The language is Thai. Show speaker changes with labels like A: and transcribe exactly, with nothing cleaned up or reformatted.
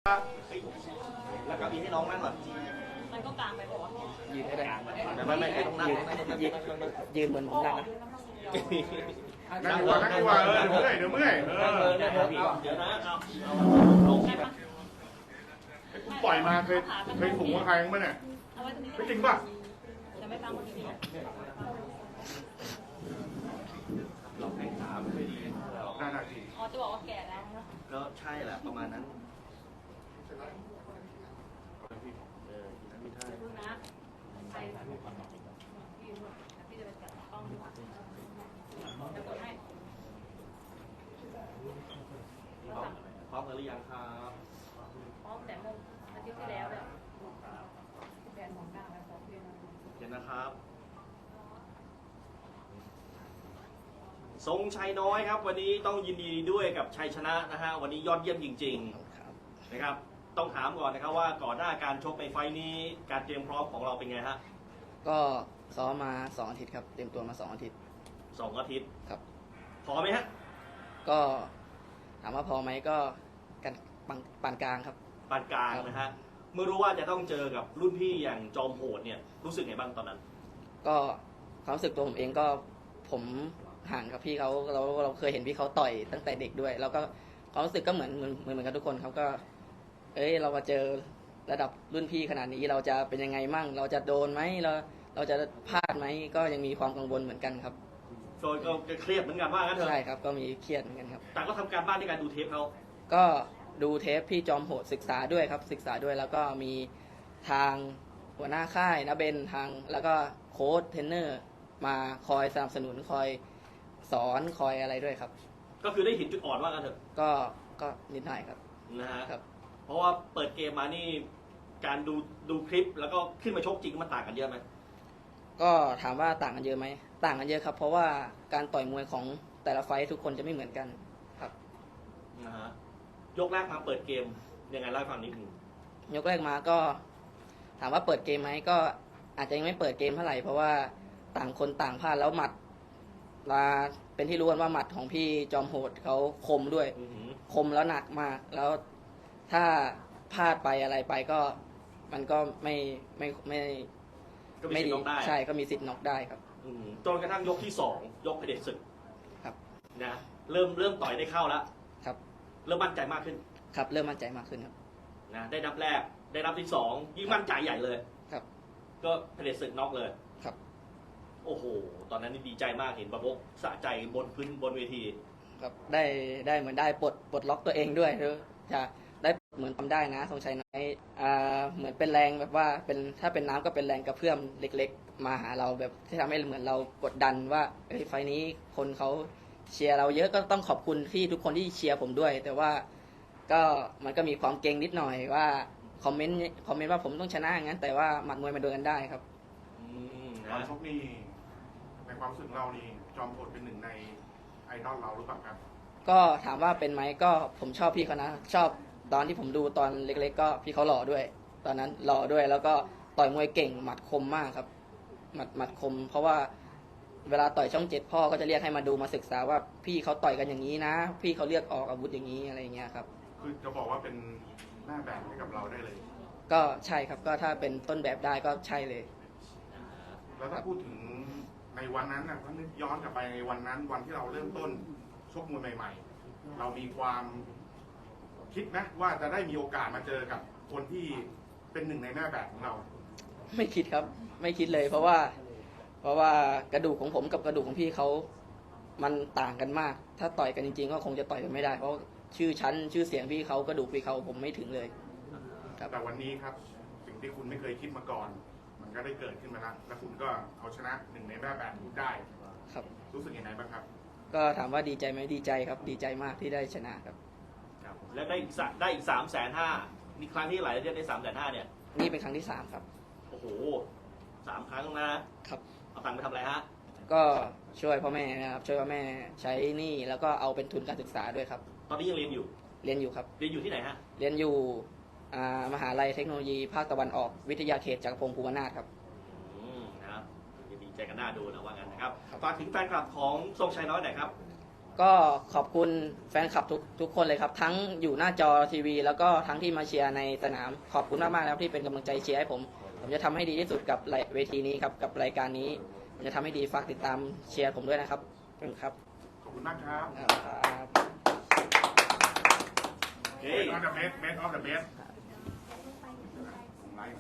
A: แล้วก็อีให้น้องนั่งก่อน
B: มันก็กลางไปบอกว่า
C: ยืนได้
A: แต่ไม่ไม่ต้องนั่ง
C: ยืนเหมือนผมนั่งนะ
D: นั่งดีกว่านั่งดีกว่าเออเดี๋ยวเมื่อยเดี๋ยวเมื่อยเออ
A: เดี๋ยวนะเอาเอาลงใช่ปะ
D: คุณปล่อยมาเคยเคยถุงว่าใครมั้งเนี่ยไม่จริงป่ะ
B: จะไม่ตั้งคนนี้
A: เราให้ขาไม่ค่อยดี
D: น่าหนักจริง
B: อ๋อจะบอกว่าแก่แล้ว
A: ก็ใช่แหละประมาณนั้นเออนั้นไม่ใช่
B: ดูนะใครพี่พี่จะไปจับกล้องดีกว่าจะกดให้
A: พร้อมหรือยังครับ
B: พร้อมแต่เมื่ออาทิตย์ที่แล้วเลยแบนของกลางแล้วของเรียน
A: เห็นนะครับทรงชัยน้อยครับวันนี้ต้องยินดีด้วยกับชัยชนะนะฮะวันนี้ยอดเยี่ยมจริงๆนะครับต้องถามก่อนนะครับว่าก่อนหน้าการชกในไฟนี้การเตรียมพร้อมของเราเป็นไงฮะ
C: ก็ซ้อมมาสองอาทิตย์ครับเตรียมตัวมาสองอาทิตย์
A: สองอาทิตย์
C: ครับ
A: พอไหมฮะ
C: ก็ถามว่าพอไหมก็กันปานกลางครับ
A: ปานกลางนะฮะเมื่อรู้ว่าจะต้องเจอกับรุ่นพี่อย่างจอมโหดเนี่ยรู้สึกไงบ้างตอนนั้น
C: ก็ความรู้สึกตัวผมเองก็ผมห่างกับพี่เขาเราเราเคยเห็นพี่เขาต่อยตั้งแต่เด็กด้วยแล้วก็ความรู้สึกก็เหมือนเหมือนเหมือนกันทุกคนเขาก็เอ้ยเรามาเจอระดับรุ่นพี่ขนาดนี้เราจะเป็นยังไงมั่งเราจะโดนไหมเราเราจะพลาดไหมก็ยังมีความกังวลเหมือนกันครับ
A: โดยก็เครียดเหมือนกันว่างั้นเถอะ
C: ใช่ครับก็มีเครียดเหมือนกันครับ
A: แต่ก็ทำการบ้านในการดูเทปเขา
C: ก็ดูเทปพี่จอมโหดศึกษาด้วยครับศึกษาด้วยแล้วก็มีทางหัวหน้าค่ายนะเบนทางแล้วก็โค้ชเทรนเนอร์มาคอยสนับสนุนคอยสอนคอยอะไรด้วยครับ
A: ก็คือได้เห็นจุดอ่อนว่ากันเถอะ
C: ก็ก็นิดหน่อยครับ
A: นะฮะ
C: ครับ
A: เพราะว่าเปิดเกมมานี่การดูดูคลิปแล้วก็ขึ้นมาชกจริงมันต่างกันเยอะไหม
C: ก็ถามว่าต่างกันเยอะไหมต่างกันเยอะครับเพราะว่าการต่อยมวยของแต่ละไฟท์ทุกคนจะไม่เหมือนกันครับ
A: นะฮะยกแรกมาเปิดเกมยังไงเล่าให้ฟังนิดนึง
C: ยกแรกมาก็ถามว่าเปิดเกมไหมก็อาจจะยังไม่เปิดเกมเท่าไหร่เพราะว่าต่างคนต่างพลาดแล้วหมัดมาเป็นที่รู้กันว่าหมัดของพี่จอมโหดเขาคมด้วยคมแล้วหนักมากแล้วถ้าพลาดไปอะไรไปก็มันก็ไม่ไม่ไม่
A: ไม่ดี
C: ใช่ก็มีสิทธิ์น็อกได้ครับ
A: จนกระทั่งยกที่สองยกเผด็จศึก
C: ครับ
A: นะเริ่มเริ่มต่อยได้เข้าแล้ว
C: ครับ
A: เริ่มมั่นใจมากขึ้น
C: ครับเริ่มมั่นใจมากขึ้นครับ
A: นะได้นับแรกได้นับที่สองยิ่งมั่นใจใหญ่เลย
C: ครับ
A: ก็เผด็จศึกน็อกเลย
C: ครับ
A: โอ้โหตอนนั้นนี่ดีใจมากเห็นประมกสะใจบนพื้นบนเวที
C: ครับได้ได้เหมือนได้ปลดปลดล็อกตัวเองด้วยหรือจะได้เหมือนทำได้นะทรงชัยน้อยอ่าเหมือนเป็นแรงแบบว่าเป็นถ้าเป็นน้ำก็เป็นแรงกระเพื่อมเล็กๆมาหาเราแบบที่ทำให้เหมือนเรากดดันว่าเอ้ยไฟนี้คนเขาเชียร์เราเยอะก็ต้องขอบคุณที่ทุกคนที่เชียร์ผมด้วยแต่ว่าก็มันก็มีความเก่งนิดหน่อยว่าคอมเมนต์คอมเมนต์ว่าผมต้องชนะอย่างนั้นแต่ว่าหมัดมวยมันโดนกันได้ครับ
D: ตอนชกนี่ในความรู้สึกเรานี่จอมโหดเป็นหนึ่งในไอดอลเราหรือเปล่าครับ
C: ก็ถามว่าเป็นไหมก็ผมชอบพี่เขานะชอบตอนที่ผมดูตอนเล็กๆก็พี่เขาหล่อด้วยตอนนั้นหล่อด้วยแล้วก็ต่อยมวยเก่งหมัดคมมากครับหมัดหมัดคมเพราะว่าเวลาต่อยช่องเจ็ดพ่อก็จะเรียกให้มาดูมาศึกษาว่าพี่เขาต่อยกันอย่างนี้นะพี่เขาเลือกออกอาวุธอย่างนี้อะไรอย่างเงี้ยครับ
D: คือจะบอกว่าเป็นหน้าแบบให้กับเราได้เลย
C: ก็ใช่ครับก็ถ้าเป็นต้นแบบได้ก็ใช่เลย
D: แล้วถ้าพูดถึงในวันนั้นนะถ้านึกย้อนกลับไปในวันนั้นวันที่เราเริ่มต้นชกมวยใหม่ๆเรามีความคิดนะว่าจะได้มีโอกาสมาเจอกับคนที่เป็นหนึ่งในหน้าแบบของเรา
C: ไม่คิดครับไม่คิดเลยเพราะว่าเพราะว่ากระดูกของผมกับกระดูกของพี่เขามันต่างกันมากถ้าต่อยกันจริงๆก็คงจะต่อยกันไม่ได้เพราะชื่อชั้นชื่อเสียงพี่เขากระดูกพี่เขาผมไม่ถึงเลย
D: แต่วันนี้ครับสิ่งที่คุณไม่เคยคิดมาก่อนมันก็ได้เกิดขึ้นมาแล้วและคุณก็เอาชนะหนึ่งในหน้าแบบคุณได้
C: ครับ
D: รู้สึกยังไงบ้างครับ
C: ก็ถามว่าดีใจไหมดีใจครับดีใจมากที่ได้ชนะครับ
A: แล้วได้อีกได้อีกสามแสนห้ามีครั้งที่หลายเรียกได้สามแสนห้าเนี่ย
C: นี่เป็นครั้งที่สามครับ
A: โอ้โหสามครั้งนะครับเอาตังค์ไปทำอะไรฮะ
C: ก็ช่วยพ่อแม่นะครับช่วยพ่อแม่ใช้หนี้แล้วก็เอาเป็นทุนการศึกษาด้วยครับ
A: ตอนนี้ยังเรียนอยู่
C: เรียนอยู่ครับ
A: เรียนอยู่ที่ไหนฮะ
C: เรียนอยู่มหาลัยเทคโนโลยีภาคตะวันออกวิทยาเขตจักรพงศ์ภูวนาถครับ
A: อืมนะครับดีใจกันหน้าดูนะว่างั้นนะครับฝากถึงแฟนคลับของทรงชัยน้อยหน่อยครับ
C: ก็ขอบคุณแฟนคลับทุกทุกคนเลยครับ ทั้งอยู่หน้าจอทีวี แล้วก็ทั้งที่มาเชียร์ในสนามขอบคุณมากๆแล้วที่เป็นกำลังใจเชียร์ให้ผมผมจะทำให้ดีที่สุดกับเวทีนี้ครับกับรายการนี้ผมจะทำให้ดีฝากติดตามเชียร์ผมด้วยนะครับขอบคุณครับ
D: ขอบคุณมากครับ
C: ครับ
A: Okay.
D: Best of the best best of the best